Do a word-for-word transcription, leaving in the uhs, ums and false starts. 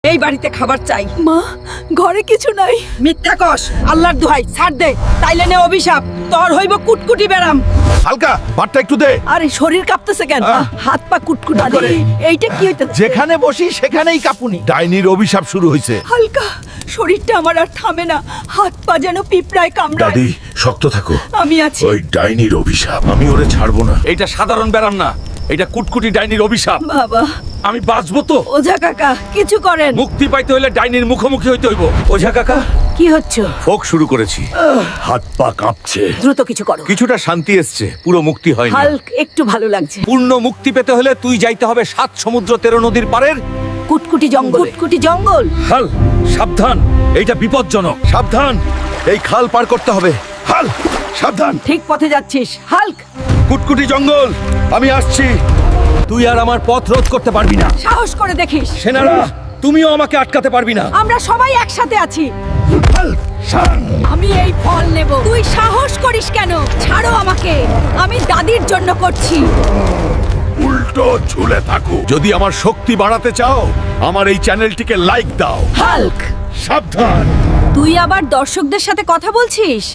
এই বাড়িতে খাবার চাই। মা, ঘরে কিছু নাই। মিথ্যা কস, আল্লাহর দোহাই ছাড় দে, তাইলে নে অভিশাপ, তোর হইব কুটকুটি বেরাম। হালকা ভাতটা একটু দে। আরে শরীর কাঁপতেছে কেন? আহ! হাত পা কুটকুট কি করে? এইটা কি হইতেছে? যেখানে বসি সেখানেই কাঁপুনি। ডাইনির অভিশাপ শুরু হয়েছে। হালকা, শরীরটা আমার আর থামে না, হাত পা যেন পিঁপড়ায় কামড়ায়। দাদি শক্ত থাকো। আমি আছি। ওই ডাইনির অভিশাপ, আমি ওরে ছাড়বো না। এইটা সাধারণ ব্যারাম না, এটা কুটকুটি ডাইনির অভিশাপ। বাবা, আমি বাঁচবো তো? ওঝা কাকা কিছু করেন। মুক্তি পাইতে হইলে ডাইনির মুখোমুখি হইতে হইব। ওঝা কাকা, কি হচ্ছে? ফোক শুরু করেছি। হাত পা কাঁপছে। দ্রুত কিছু করো। কিছুটা শান্তি এসছে, পুরো মুক্তি হয়নি। হাল্ক, একটু ভালো লাগছে। পূর্ণ মুক্তি পেতে হলে তুই যাইতে হবে সাত সমুদ্র তেরো নদীর পারের। কুটকুটি জঙ্গল। কুটকুটি জঙ্গল। হাল, সাবধান, এইটা বিপজ্জনক। সাবধান, এই খাল পার করতে হবে। হাল, সাবধান। ঠিক পথে যাচ্ছিস হাল্ক। কুটকুটি জঙ্গল, আমি আসছি। তুই আর আমার পথ রোধ করতে পারবি না। সাহস করে দেখিস। সেনারা, তুমিও আমাকে আটকাতে পারবি না। আমরা সবাই একসাথে আছি। হাল, শান। আমি এই ফল নেব। তুই সাহস করিস কেন? ছাড়ো আমাকে, আমি দাদির জন্য করছি। উল্টো ঝুলে থাকো। যদি আমার শক্তি বাড়াতে চাও, আমার এই চ্যানেলটিকে লাইক দাও। হাল্ক, সাবধান। তুই আবার দর্শকদের সাথে কথা বলছিস?